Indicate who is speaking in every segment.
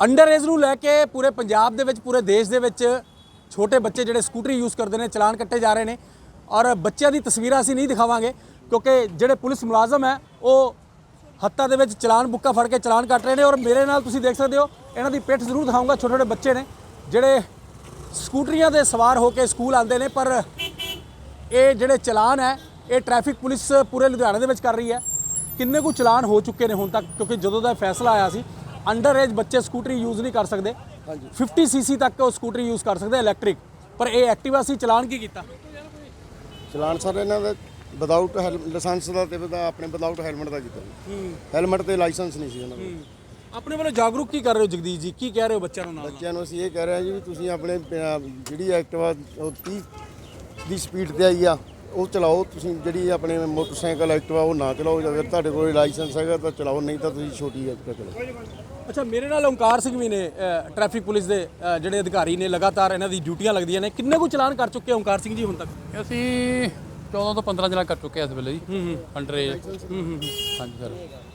Speaker 1: Under age ਨੂੰ ਲੈ ਕੇ ਪੂਰੇ ਪੰਜਾਬ ਦੇ ਵਿੱਚ ਪੂਰੇ ਦੇਸ਼ ਦੇ ਵਿੱਚ ਛੋਟੇ ਬੱਚੇ ਜਿਹੜੇ ਸਕੂਟਰੀ ਯੂਜ਼ ਕਰਦੇ ਨੇ ਚਲਾਨ ਕੱਟੇ ਜਾ ਰਹੇ ਨੇ ਔਰ ਬੱਚਿਆਂ ਦੀ ਤਸਵੀਰਾਂ ਅਸੀਂ ਨਹੀਂ ਦਿਖਾਵਾਂਗੇ ਕਿਉਂਕਿ ਜਿਹੜੇ ਪੁਲਿਸ ਮੁਲਾਜ਼ਮ ਹੈ ਉਹ ਹੱਥਾਂ ਦੇ ਵਿੱਚ ਚਲਾਨ ਬੁੱਕਾ ਫੜ ਕੇ ਚਲਾਨ ਕੱਟ ਰਹੇ ਨੇ ਔਰ ਮੇਰੇ ਨਾਲ ਤੁਸੀਂ ਦੇਖ ਸਕਦੇ ਹੋ ਇਹਨਾਂ ਦੀ ਪਿੱਠ ਜ਼ਰੂਰ ਦਿਖਾਊਂਗਾ। ਛੋਟੇ ਛੋਟੇ ਬੱਚੇ ਨੇ ਜਿਹੜੇ ਸਕੂਟਰੀਆਂ ਦੇ ਸਵਾਰ ਹੋ ਕੇ ਸਕੂਲ ਆਉਂਦੇ ਨੇ ਪਰ ਇਹ ਜਿਹੜੇ ਚਲਾਨ ਹੈ ਇਹ ਟ੍ਰੈਫਿਕ ਪੁਲਿਸ ਪੂਰੇ ਲੁਧਿਆਣੇ ਦੇ ਵਿੱਚ ਕਰ ਰਹੀ ਹੈ। ਕਿੰਨੇ ਕੁ ਚਲਾਨ ਹੋ ਚੁੱਕੇ ਨੇ ਹੁਣ ਤੱਕ ਕਿਉਂਕਿ ਜਦੋਂ ਦਾ ਫੈਸਲਾ ਆਇਆ ਸੀ ਅੰਡਰ ਏਜ ਬੱਚੇ ਸਕੂਟਰੀ ਯੂਜ਼ ਨਹੀਂ ਕਰ ਸਕਦੇ 50 ਸੀਸੀ ਤੱਕ ਉਹ ਸਕੂਟਰੀ ਯੂਜ਼ ਕਰ ਸਕਦੇ ਇਲੈਕਟ੍ਰਿਕ ਪਰ ਇਹ ਐਕਟਿਵਾ ਸੀ ਚਲਾਨ ਕੀ ਕੀਤਾ
Speaker 2: ਚਲਾਨ ਸਰ ਇਹਨਾਂ ਦਾ ਵਿਦਆਊਟ ਲਾਇਸੈਂਸ ਦਾ ਤੇ ਆਪਣੇ ਵਿਦਆਊਟ ਹੈਲਮਟ ਦਾ ਕੀਤਾ ਹੈਲਮਟ ਤੇ ਲਾਇਸੈਂਸ ਨਹੀਂ ਸੀ ਉਹਨਾਂ ਦਾ।
Speaker 1: ਆਪਣੇ ਵੱਲੋਂ ਜਾਗਰੂਕ ਕੀ ਕਰ ਰਹੇ ਹੋ ਜਗਦੀਸ਼ ਜੀ ਕੀ ਕਹਿ ਰਹੇ ਹੋ ਬੱਚਿਆਂ ਨੂੰ ਨਾਲ
Speaker 2: ਬੱਚਿਆਂ ਨੂੰ ਅਸੀਂ ਇਹ ਕਹਿ ਰਹੇ ਹਾਂ ਜੀ ਵੀ ਤੁਸੀਂ ਆਪਣੇ ਜਿਹੜੀ ਐਕਟਿਵਾ 30 ਦੀ ਸਪੀਡ ਤੇ ਆਈ ਆ ਉਹ ਚਲਾਓ ਤੁਸੀਂ ਜਿਹੜੀ ਆਪਣੇ ਮੋਟਰਸਾਈਕਲ ਐਕਟਿਵਾ ਉਹ ਨਾ ਚਲਾਓ ਅਗਰ ਤੁਹਾਡੇ ਕੋਲ ਲਾਇਸੈਂਸ ਹੈਗਾ ਤਾਂ ਚਲਾਓ ਨਹੀਂ ਤਾਂ ਤੁਸੀਂ ਛੋਟੀ ਐਕਟਿਵਾ ਚਲਾਓ।
Speaker 1: ਅੱਛਾ ਮੇਰੇ ਨਾਲ ਓਂਕਾਰ ਸਿੰਘ ਵੀ ਨੇ ਟ੍ਰੈਫਿਕ ਪੁਲਿਸ ਦੇ ਜਿਹੜੇ ਅਧਿਕਾਰੀ ਨੇ ਲਗਾਤਾਰ ਇਹਨਾਂ ਦੀ ਡਿਊਟੀਆਂ ਲੱਗਦੀਆਂ ਨੇ ਕਿੰਨੇ ਕੁ ਚਲਾਨ ਕਰ ਚੁੱਕੇ ਓਂਕਾਰ ਸਿੰਘ ਜੀ ਹੁਣ ਤੱਕ
Speaker 3: ਅਸੀਂ 14 ਤੋਂ 15 ਚਲਾਨ ਕਰ ਚੁੱਕੇ ਆ ਇਸ ਵੇਲੇ ਜੀ ਅੰਡਰ ਏਜ ਹਾਂਜੀ ਸਰ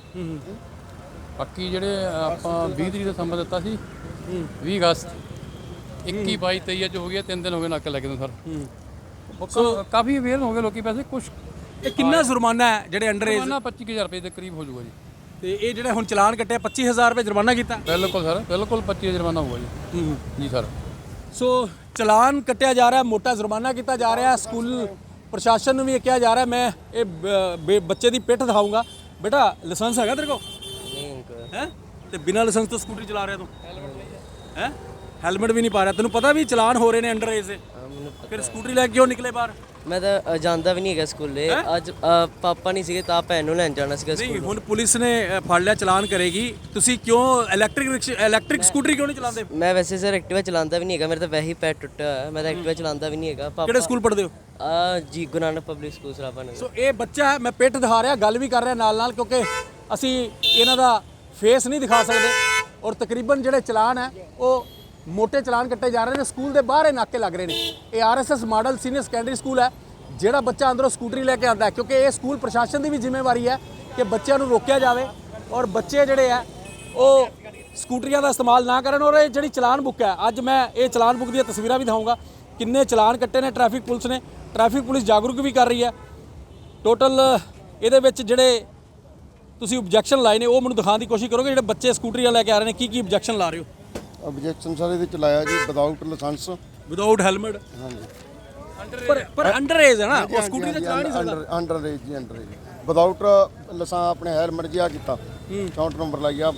Speaker 3: ਬਾਕੀ ਜਿਹੜੇ ਆਪਾਂ 20 ਤਰੀਕ ਦਾ ਸਮਾਂ ਦਿੱਤਾ ਸੀ 20 ਅਗਸਤ 21 22 23 ਅੱਜ ਹੋ ਗਿਆ 3 ਦਿਨ ਹੋ ਗਏ ਨਾਕੇ ਲੱਗੇ ਨੂੰ ਸਰ ਕਾਫੀ ਅਵੇਅਰ ਹੋ ਗਏ ਲੋਕੀ ਪੈਸੇ ਕੁਝ
Speaker 1: ਇਹ ਕਿੰਨਾ ਜੁਰਮਾਨਾ ਹੈ ਜਿਹੜੇ ਅੰਡਰ ਏਜ
Speaker 3: 25000 ਰੁਪਏ ਦੇ ਕਰੀਬ ਹੋ ਜਾਊਗਾ ਜੀ
Speaker 1: ਤੇ ਇਹ ਜਿਹੜੇ ਹੁਣ ਚਲਾਨ ਕੱਟਿਆ 25000 ਰੁਪਏ ਜੁਰਮਾਨਾ ਕੀਤਾ
Speaker 3: ਬਿਲਕੁਲ ਸਰ ਬਿਲਕੁਲ 25 ਜੁਰਮਾਨਾ ਹੋਊਗਾ ਜੀ ਜੀ ਸਰ
Speaker 1: ਸੋ ਚਲਾਨ ਕੱਟਿਆ ਜਾ ਰਿਹਾ ਮੋਟਾ ਜੁਰਮਾਨਾ ਕੀਤਾ ਜਾ ਰਿਹਾ ਸਕੂਲ ਪ੍ਰਸ਼ਾਸਨ ਨੂੰ ਵੀ ਇਹ ਕਿਹਾ ਜਾ ਰਿਹਾ ਮੈਂ ਇਹ ਬੱਚੇ ਦੀ ਪਿੱਠ ਦਿਖਾਊਂਗਾ ਬੇਟਾ ਲਾਇਸੈਂਸ ਹੈਗਾ ਤੇਰੇ ਕੋਲ ਹੈ ਤੇ ਬਿਨਾਂ ਲਾਇਸੈਂਸ ਤੋਂ ਸਕੂਟਰੀ ਚਲਾ ਰਿਹਾ ਤੂੰ ਹੈ ਹੈਲਮਟ ਵੀ ਨਹੀਂ ਪਾ ਰਿਹਾ ਤੈਨੂੰ ਪਤਾ ਵੀ ਚਲਾਨ ਹੋ ਰਹੇ ਨੇ ਅੰਡਰ ਏਜ ਦੇ ਫਿਰ ਸਕੂਟਰੀ ਲੈ ਕੇ ਕਿਉਂ ਨਿਕਲੇ ਬਾਹਰ
Speaker 4: ਮੈਂ ਤਾਂ ਜਾਂਦਾ ਵੀ ਨਹੀਂ ਹੈਗਾ ਸਕੂਲੇ ਅੱਜ ਪਾਪਾ ਨਹੀਂ ਸੀਗੇ ਤਾਂ ਭੈਣ ਨੂੰ ਲੈਣ ਜਾਣਾ ਸੀਗਾ
Speaker 1: ਨਹੀਂ ਹੁਣ ਪੁਲਿਸ ਨੇ ਫੜ ਲਿਆ ਚਲਾਨ ਕਰੇਗੀ ਤੁਸੀਂ ਕਿਉਂ ਇਲੈਕਟ੍ਰਿਕ ਸਕੂਟਰੀ ਕਿਉਂ ਨਹੀਂ ਚਲਾਉਂਦੇ
Speaker 4: ਮੈਂ ਵੈਸੇ ਸਰ ਐਕਟਿਵਾ ਚਲਾਉਂਦਾ ਵੀ ਨਹੀਂ ਹੈਗਾ ਮੇਰੇ ਤਾਂ ਵੈਸੇ ਹੀ ਪੈਰ ਟੁੱਟਿਆ ਹੋਇਆ ਮੈਂ ਤਾਂ ਐਕਟਿਵਾ ਚਲਾਉਂਦਾ ਵੀ ਨਹੀਂ ਹੈਗਾ ਪਾਪਾ
Speaker 1: ਕਿਹੜੇ ਸਕੂਲ ਪੜ੍ਹਦੇ ਹੋ
Speaker 4: ਜੀ Guru Nanak public school Sarabha Nagar
Speaker 1: so ਇਹ ਬੱਚਾ ਹੈ ਮੈਂ ਪਿੱਠ ਦਿਖਾ ਰਿਹਾ ਗੱਲ ਵੀ ਕਰ ਰਿਹਾ ਨਾਲ ਕਿਉਂਕਿ ਅਸੀਂ ਇਹਨਾਂ ਦਾ ਫੇਸ ਨਹੀਂ ਦਿਖਾ ਸਕਦੇ ਔਰ ਤਕਰੀਬਨ ਜਿਹੜੇ ਚਲਾਨ ਹੈ ਉਹ ਮੋٹے ਚਲਾਨ ਕੱਟੇ ਜਾ ਰਹੇ ਨੇ ਸਕੂਲ ਦੇ ਬਾਹਰ ਨਾਕੇ ਲੱਗ ਰਹੇ ਨੇ ਇਹ RSS model senior secondary school ਹੈ ਜਿਹੜਾ ਬੱਚਾ ਅੰਦਰੋਂ ਸਕੂਟਰੀ ਲੈ ਕੇ ਆਉਂਦਾ ਹੈ ਕਿਉਂਕਿ ਇਹ ਸਕੂਲ ਪ੍ਰਸ਼ਾਸਨ ਦੀ ਵੀ ਜ਼ਿੰਮੇਵਾਰੀ ਹੈ ਕਿ ਬੱਚਿਆਂ ਨੂੰ ਰੋਕਿਆ ਜਾਵੇ ਔਰ ਬੱਚੇ ਜਿਹੜੇ ਆ ਉਹ ਸਕੂਟਰੀਆਂ ਦਾ ਇਸਤੇਮਾਲ ਨਾ ਕਰਨ ਔਰ ਇਹ ਜਿਹੜੀ ਚਲਾਨ ਬੁੱਕ ਹੈ ਅੱਜ ਮੈਂ ਇਹ ਚਲਾਨ ਬੁੱਕ ਦੀਆਂ ਤਸਵੀਰਾਂ ਵੀ ਦਿਖਾਊਂਗਾ ਕਿੰਨੇ ਚਲਾਨ ਕੱਟੇ ਨੇ ਟ੍ਰੈਫਿਕ ਪੁਲਿਸ ਨੇ ਟ੍ਰੈਫਿਕ ਪੁਲਿਸ ਜਾਗਰੂਕ ਵੀ ਕਰ ਰਹੀ ਹੈ ਟੋਟਲ ਇਹਦੇ ਵਿੱਚ ਜਿਹੜੇ ਤੁਸੀਂ ਆਬਜੈਕਸ਼ਨ ਲਾਏ ਨੇ ਉਹ ਮੈਨੂੰ ਦਿਖਾਉਣ ਦੀ ਕੋਸ਼ਿਸ਼ ਕਰੋਗੇ ਜਿਹੜੇ ਬੱਚੇ ਸਕੂਟਰੀਆਂ ਲੈ ਕੇ ਆ ਰਹੇ ਨੇ ਕੀ ਆਬਜੈਕਸ਼ਨ ਲਾ ਰਹੇ ਹੋ
Speaker 2: ਆਬਜੈਕਸ਼ਨ ਸਾਰੇ ਵਿੱਚ ਲਾਇਆ ਜੀ ਵਿਦਆਊਟ ਲਾਇਸੈਂਸ
Speaker 1: ਵਿਦਆਊਟ ਹੈਲਮਟ
Speaker 2: ਹਾਂਜੀ
Speaker 1: ਪਰ ਅੰਡਰ ਏਜ ਹੈ ਨਾ ਉਹ ਸਕੂਟਰੀ ਤੇ ਚਲਾ ਨਹੀਂ ਸਕਦਾ
Speaker 2: ਅੰਡਰ ਏਜ ਜੀ ਅੰਡਰ ਏਜ ਵਿਦਆਊਟ ਲਾਇਸੈਂਸ ਆਪਣੇ ਹੈਲਮਟ ਜਿਹਾ ਕੀਤਾ 64 ਨੰਬਰ ਲਾਇਆ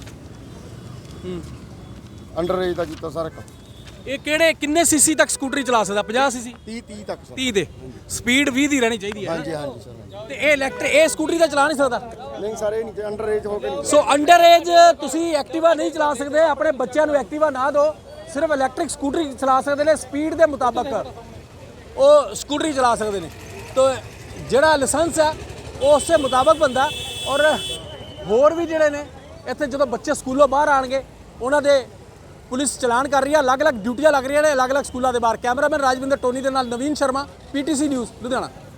Speaker 2: ਅੰਡਰ ਏਜ ਦਾ ਕੀਤਾ ਸਾਰਾ
Speaker 1: ਇਹ ਕਿੰਨੇ ਸੀਸੀ ਤੱਕ ਸਕੂਟਰੀ ਚਲਾ ਸਕਦਾ 50 ਸੀਸੀ
Speaker 2: 30 ਤੱਕ ਸਰ
Speaker 1: 30 ਦੇ ਸਪੀਡ 20 ਦੀ ਰਹਿਣੀ ਚਾਹੀਦੀ ਹੈ
Speaker 2: ਹਾਂਜੀ ਹਾਂਜੀ ਸਰ
Speaker 1: ਤੇ ਇਹ ਇਲੈਕਟ੍ਰਿਕ ਇਹ ਸਕੂਟਰੀ ਤਾਂ ਚਲਾ ਨਹੀਂ ਸਕਦਾ
Speaker 2: ਨਹੀਂ ਸਾਰੇ ਨਹੀਂ ਅੰਡਰ ਏਜ ਹੋ ਕੇ ਨਹੀਂ
Speaker 1: ਸੋ ਅੰਡਰ ਏਜ ਤੁਸੀਂ ਐਕਟਿਵਾ ਨਹੀਂ ਚਲਾ ਸਕਦੇ ਆਪਣੇ ਬੱਚਿਆਂ ਨੂੰ ਐਕਟਿਵਾ ਨਾ ਦਿਓ ਸਿਰਫ ਇਲੈਕਟ੍ਰਿਕ ਸਕੂਟਰੀ ਚਲਾ ਸਕਦੇ ਨੇ ਸਪੀਡ ਦੇ ਮੁਤਾਬਕ ਉਹ ਸਕੂਟਰੀ ਚਲਾ ਸਕਦੇ ਨੇ ਤਾਂ ਜਿਹੜਾ ਲਾਇਸੈਂਸ ਹੈ ਉਹ ਉਸੇ ਮੁਤਾਬਕ ਬੰਦਾ ਔਰ ਹੋਰ ਵੀ ਜਿਹੜੇ ਨੇ ਇੱਥੇ ਜਦੋਂ ਬੱਚੇ ਸਕੂਲੋਂ ਬਾਹਰ ਆਣਗੇ ਉਹਨਾਂ ਦੇ ਪੁਲਿਸ ਚਲਾਨ ਕਰ ਰਹੀ ਹੈ ਅਲੱਗ-ਅਲੱਗ ਡਿਊਟੀਆਂ ਲੱਗ ਰਹੀਆਂ ਨੇ ਅਲੱਗ-ਅਲੱਗ ਸਕੂਲਾਂ ਦੇ ਬਾਹਰ ਕੈਮਰਾਮੈਨ ਰਾਜਵਿੰਦਰ ਟੋਨੀ ਦੇ ਨਾਲ ਨਵੀਨ ਸ਼ਰਮਾ PTC ਨਿਊਜ਼ ਲੁਧਿਆਣਾ।